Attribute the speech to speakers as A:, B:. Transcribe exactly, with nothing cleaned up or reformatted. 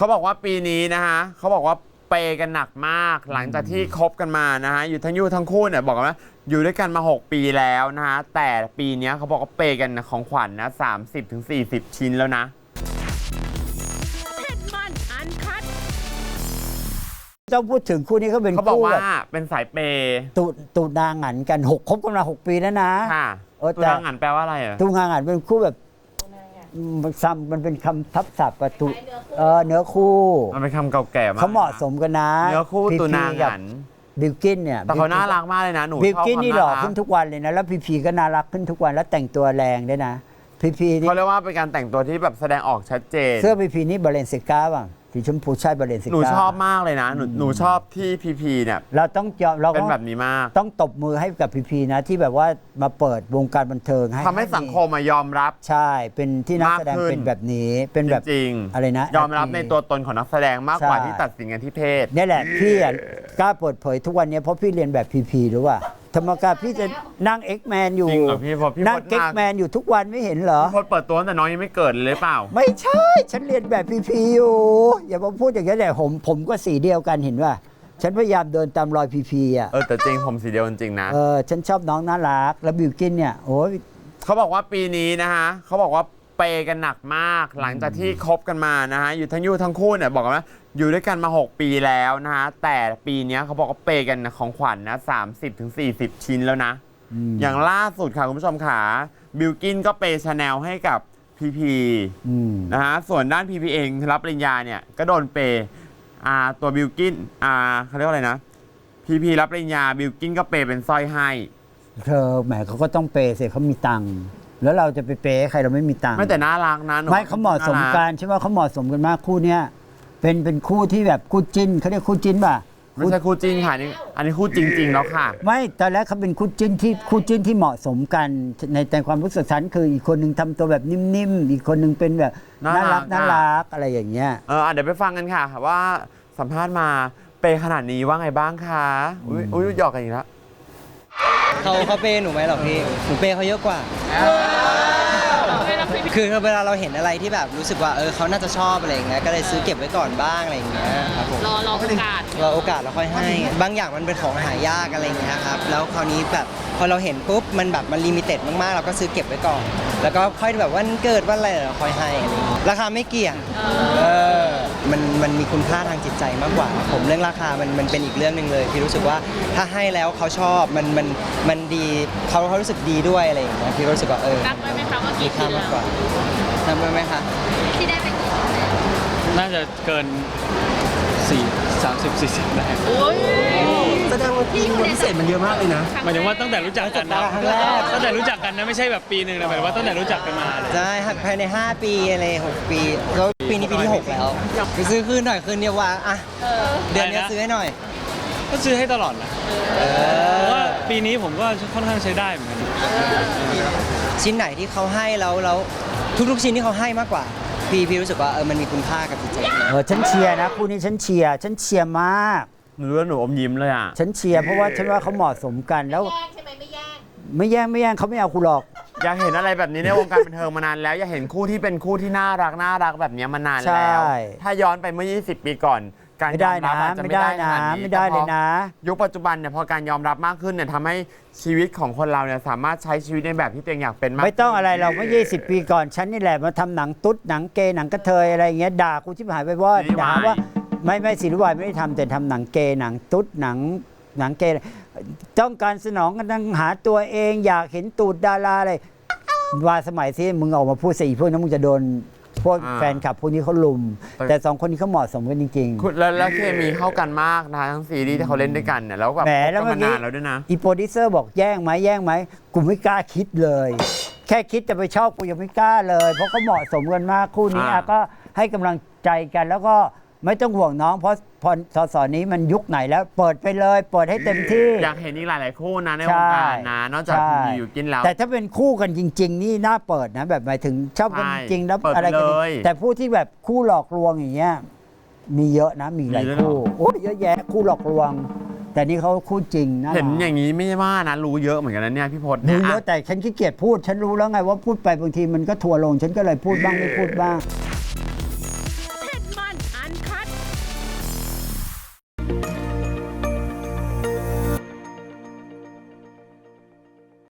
A: เขาบอกว่าปีนี้นะคะเขาบอกว่าเปย์กันหนักมากหลังจากที่คบกันมานะฮะอยู่ทั้งอยู่ทั้งคู่เนี่ยบอกกันว่าอยู่ด้วยกันมาหกปีแล้วนะฮะแต่ปีนี้เขาบอกว่าเปย์กันของขวัญนะสามสิบถึงสี่สิบชิ้นแล้วนะ
B: เจ้าพูดถึงคู่นี้เขาเป็น
A: เขาบอก
B: คู่
A: ว่า
B: แบบ
A: เป็นสายเปย์
B: ตูตูนางหันกันหกคบกันมาหกปีแล้วนะ
A: ค่ะ
B: เออ
A: ตัว
B: แต่
A: นางหันแปลว่าอะไรอ่ะ
B: ตูนางหันเป็นคู่แบบมันซ้ำมันเป็นคำทับศัพท์กับตูเออเนื้อคู่
A: มันเป็นคำเก่าแก่มาก
B: เขาเหมาะสมกันนะ
A: เนื้อคู่
B: พีพี
A: ตัวนาง
B: กับ
A: หัน
B: บิลกินเนี่ย
A: แต่เขาน่ารักมากเลยนะหนู
B: บิล
A: ชอบ
B: กิน
A: ความ
B: นี่หล่อ
A: น่ารั
B: ขึ้
A: ก
B: นทุกวันเลยนะแล้วพีพีก็น่ารักขึ้นทุกวันแล้วแต่งตัวแรงด้วยนะพีพีนี่
A: เขาเรียกว่าเป็นการแต่งตัวที่แบบแสดงออกชัดเจน
B: เสื้อพีพีนี่บาเลนซิก้าบ้างสีชมพูใช่บาเลนซิก้า
A: หนูชอบมากเลยนะหนูหนูชอบที่พีพีเนี่ย
B: เราต้องยอมเรา
A: เป็น
B: ต้อง
A: แบบนี้มาก
B: ต้องตบมือให้กับพีพีนะที่แบบว่ามาเปิดวงการบันเทิงให้
A: ทำให้สังคมมายอมรับ
B: ใช่เป็นที่นักแสดง
A: มากขึ้น
B: เป็นแบบนี้เป็นแบบ
A: จริง
B: อะไรนะ
A: ยอมรับในตัวตนของนักแสดงมากกว่า
B: ใช่
A: ที่ตัดสินกันที่เพศ
B: นี่แหละพี่อะกล้าเปิดเผยทุกวันนี้เพราะพี่เรียนแบบพีพีหรือว่าธรรมกาพี่จะนั่งเอ็กแมนอยู่
A: จริงเหรอพี่พอพี่
B: นั่ง
A: พจน์
B: เอ็ก
A: มา
B: แมนอยู่ทุกวันไม่เห็นเหรอ
A: พี่พจน์เปิดตัวตั้งแต่น้องยังไม่เกิดเลยหรือเปล่า
B: ไม่ใช่ ฉันเรียนแบบพีพีอยู่อย่ามาพูดอย่างนี้แต่ผมผมก็สีเดียวกันเห็นว่า ฉันพยายามเดินตามรอยพีพีอ่ะ
A: เออแต่จริงผมสีเดียวจริงๆนะ
B: เออฉันชอบน้องน่ารักแล้วบิวกินเนี่ยโอ้ย
A: เขาบอกว่าปีนี้นะคะเขาบอกว่าเปย์กันหนักมากหลังจากที่คบกันมานะฮะอยู่ทั้งอยู่ทั้งคู่เนี่ยบอกกันว่าอยู่ด้วยกันมาหกปีแล้วนะฮะแต่ปีนี้เขาบอกว่าเปย์กันของขวัญนะสามสิบถึงสี่สิบชิ้นแล้วนะอย่างล่าสุดค่ะคุณผู้ชมขาบิลกินก็เปย์ชาแนลให้กับพีพี
B: อืม
A: นะฮะส่วนด้านพีพีเองรับปริญญาเนี่ยก็โดนเปย์อ่าตัวบิลกินอ่าเขาเรียกว่าอะไรนะพีพีรับปริญญาบิลกินก็เปย์เป็นสร้อยให้
B: เธอแหมเขาก็ต้องเปย์สิเขามีตังค์แล้วเราจะไปเปย์ให้ใครเราไม่มีตังค์
A: ไม่แต่น่ารักนะหนู
B: ไม่เขาเหมาะสมกันใช่ไหมเขาเหมาะสมกันมากคู่เนี้ยเป็นเป็นคู่ที่แบบคู่จิ้นเขาเรียกคู่จิ้นป่ะ
A: ไม่ใช่คู่จริงค่ะนี่อันนี้คู่จริง ๆ แล้วค่ะ
B: ไม่ตอนแรกเขาเป็นคู่จิ้นที่คู่จิ้นที่เหมาะสมกันในแต่ความรู้สึกฉันคืออีกคนหนึ่งทำตัวแบบนิ่มๆอีกคนหนึ่งเป็นแบบ
A: น่า
B: น่า
A: รั
B: รั
A: ก
B: กน่ารักอะไรอย่างเงี้ย
A: เอออ่ะเดี๋ยวไปฟังกันค่ะว่าสัมภาษณ์มาเปย์ขนาดนี้ว่าไงบ้างคะอุ้ยอุ้ยหยอกกันอีกแล้ว
C: เขาเขาเปย์หนูไหมหรอพี่หนูเปย์เขาเยอะกว่า คือเวลาเราเห็นอะไรที่แบบรู้สึกว่าเออเขาน่าจะชอบอะไรอย่างเงี้ยก็เลยซื้อเก็บไว้ก่อนบ้างอะไรอย่างเงี้ยครับผม
D: รอรอโอกาส
C: รอโอกาสแล้วค่อยให้ บางอย่างมันเป็นของหายากอะไรอย่างเงี้ยครับแล้วคราวนี้แบบพอเราเห็นปุ๊บมันแบบมันลิมิเต็ดมากๆเราก็ซื้อเก็บไว้ก่อน แล้วก็ค่อยแบบวันเกิดวันอะไรเราค่อยให้อะไรอย่างเงี้ยราคาไม่เกี่ยงเออมันมันมีคุณค่าทางจิตใจมากกว่า ผมเรื่องราคามันมันเป็นอีกเรื่องหนึ่งเลยพี่รู้สึกว่าถ้าให้แล้วเขาชอบมันมันมันดีเขาเขารู้สึกดีด้วยอะไรอย่างเงี้ยพี่รู้สึกว่าเออ
D: นับไว้ไหมคะว่ากี่
C: มีค่ามากกว่านับไว้ไหมคะ
D: ที่ได้ไปกี่
E: น่าจะเกินสี่สามสิบสี่สิบได้
D: โอ้ย
F: แสดงว่าที่พิเศษมันเยอะมากเลยนะ
E: หมายถึงว่าตั้งแต่รู้จักกันนะ
C: ครั้งแรก
E: ตั้งแต่รู้จักกันนะไม่ใช่แบบปีหนึ่งนะหมายถึงว่าตั้งแต่รู้จักกันมาเลย
C: ใช่ครับภายในห้าปีอะไรหกปีแล้วปีนี้ปีที่หกแล้วไปซื้อคืนหน่อยคืนเดียวว่าอ่ะเดือนนี้ซื้อให้หน่อย
E: ก็ซื้อให้ตลอดนะเพราะว่าปีนี้ผมก็ค่อนข้างใช้ได้เหมือนกัน
C: ชิ้นไหนที่เขาให้แล้วแล้วทุกๆชิ้นที่เขาให้มากกว่าพี่พี่รู้สึกว่าเออมันมีคุณค่ากับจิตใจ
B: เออฉันเชียร์นะคู่นี้ฉันเชียร์ฉันเชียร์มาก
A: หนูรู้ว่าหนูอมยิ้มเลยอ่ะ
B: ฉันเชียร์เพราะว่าฉันว่าเขาเหมาะสมกันแล้ว
D: แย่งใช่ไหมไม่แย่ง
B: ไม่แย่งไม่แย่งเขาไม่เอาคุณหรอก
A: อยากเห็นอะไรแบบนี้ในวงการบันเทิงมานานแล้วอยากเห็นคู่ที่เป็นคู่ที่น่ารักน่ารักแบบนี้มานานแล้ว
B: ใช่
A: ถ้าย้อนไปเมื่อ ยี่สิบ ปีก่อน การ
B: ไม่
A: ย
B: ได้
A: อมรั
B: นะ
A: บอาจจะ
B: ไม่
A: ไม่
B: ได้
A: ได้ข
B: นะ
A: นาดนี้
B: ไม่ได้เลยนะ
A: ยุคปัจจุบันเนี่ยพอการยอมรับมากขึ้นเนี่ยทำให้ชีวิตของคนเราเนี่ยสามารถใช้ชีวิตในแบบที่ตัวเองอยากเป็นมาก
B: ไม่ต้องอะไรเราเมื่อยี่สิบปีก่อนฉันนี่แหละมาทำหนังตุ๊ดหนังเกย์หนังกระเทยอะไรอย่างเงี้ยด่ากูชิบหายไปว่าด่าว่าไม่ไม่ศิลวายไม่ได้ทำแต่ทำหนังเกย์หนังตุ๊ดหนังหนังเกย์ต้องการสนองกันหาตัวเองอยากเห็นตูดดาราอะไรว่าสมัยที่มึงออกมาพูดสิพวกนั้นมึงจะโดนพวกแฟนคลับพวกนี้เขาลุม แต่สองคนนี้เขาเหมาะสมกันจริง
A: คุณแล้วแล้วเคมีเข้ากันมากนะทั้งซีรีส์ที่เขาเล่นด้วยกันเนี่ยแล้วแบบ
B: แหม
A: คบ
B: แล้ว
A: กัน
B: เมื่
A: มา
B: อกี้
A: นานแล้วด้วยนะ
B: ๆอีโปรดิวเซอร์บอกแย่งไหมแย่งไหมกูไม่กล้าคิดเลย แค่คิดจะไปชอบกูยังไม่กล้าเลย เพราะเขาเหมาะสมกันมากคู่นี้
A: อ่า
B: อ่ะก็ให้กำลังใจกันแล้วก็ไม่ต้องห่วงน้อง เพราะพอสสนี้มันยุคไหนแล้ว เปิดไปเลย เปิดให้เต็มที่
A: อยากเห็นอีกหลาย ๆ คู่นะในวงการนะนอกจาก
B: ใช่
A: พีอยู่กินแล้ว
B: แต่ถ้าเป็นคู่กันจริง ๆ นี่น่าเปิดนะ แบบหมายถึงชอบกัน
A: ใช่
B: จริงๆแล้ว
A: เปิดไป
B: อะไรกัน
A: เลย
B: แต่ผู้ที่แบบคู่หลอกลวงอย่างเงี้ยมีเยอะนะมีหลาย
A: มีด้วยเหรอ
B: คู่โอ้ยเยอะแยะคู่หลอกลวง แต่นี่เขาคู่จริงนะ
A: เห็นอย่างนี้ไม่ว่านะรู้เยอะเหมือนกันนะเนี่ยพี่พจน์
B: รู้
A: เนี่ย
B: เยอะแต่ฉันขี้เกียจพูด ฉันรู้แล้วไงว่าพูดไปบางทีมันก็ทัวร์ลง ฉันก็เลยพูดบ้างไม่พูดบ้าง